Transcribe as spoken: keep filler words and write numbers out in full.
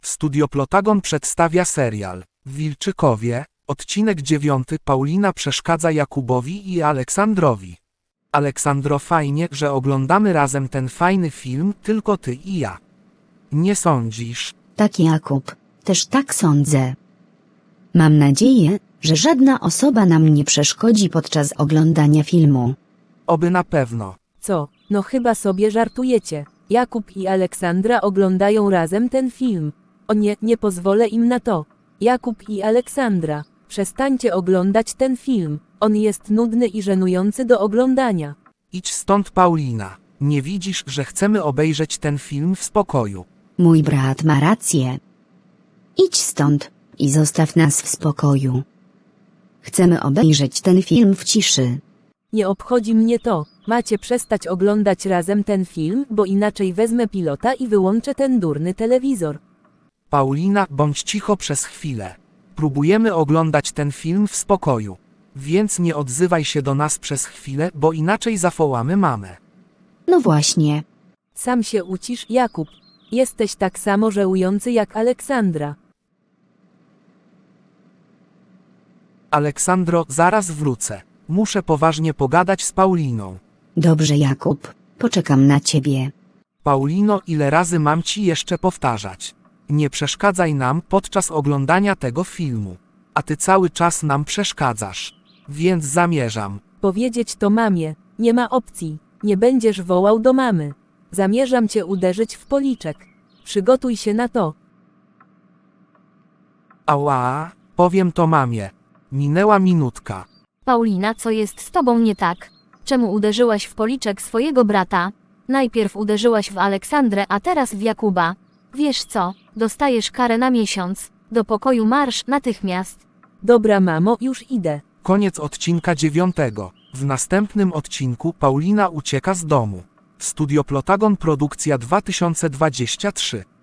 Studio Plotagon przedstawia serial w Wilczykowie, odcinek dziewiąty. Paulina przeszkadza Jakubowi i Aleksandrowi. Aleksandro, fajnie, że oglądamy razem ten fajny film, tylko ty i ja. Nie sądzisz? Tak, Jakub, też tak sądzę. Mam nadzieję, że żadna osoba nam nie przeszkodzi podczas oglądania filmu. Oby na pewno. Co? No chyba sobie żartujecie. Jakub i Aleksandra oglądają razem ten film. O nie, nie pozwolę im na to. Jakub i Aleksandra, przestańcie oglądać ten film. On jest nudny i żenujący do oglądania. Idź stąd, Paulina. Nie widzisz, że chcemy obejrzeć ten film w spokoju? Mój brat ma rację. Idź stąd i zostaw nas w spokoju. Chcemy obejrzeć ten film w ciszy. Nie obchodzi mnie to. Macie przestać oglądać razem ten film, bo inaczej wezmę pilota i wyłączę ten durny telewizor. Paulina, bądź cicho przez chwilę. Próbujemy oglądać ten film w spokoju. Więc nie odzywaj się do nas przez chwilę, bo inaczej zawołamy mamę. No właśnie. Sam się ucisz, Jakub. Jesteś tak samo żenujący jak Aleksandra. Aleksandro, zaraz wrócę. Muszę poważnie pogadać z Pauliną. Dobrze, Jakub, poczekam na ciebie. Paulino, ile razy mam ci jeszcze powtarzać? Nie przeszkadzaj nam podczas oglądania tego filmu. A ty cały czas nam przeszkadzasz. Więc zamierzam. Powiedzieć to mamie. Nie ma opcji. Nie będziesz wołał do mamy. Zamierzam cię uderzyć w policzek. Przygotuj się na to. Ała, powiem to mamie. Minęła minutka. Paulina, co jest z tobą nie tak? Czemu uderzyłaś w policzek swojego brata? Najpierw uderzyłaś w Aleksandrę, a teraz w Jakuba. Wiesz co, dostajesz karę na miesiąc. Do pokoju marsz natychmiast. Dobra, mamo, już idę. Koniec odcinka dziewiątego. W następnym odcinku Paulina ucieka z domu. Studio Plotagon, produkcja dwa tysiące dwudziesty trzeci.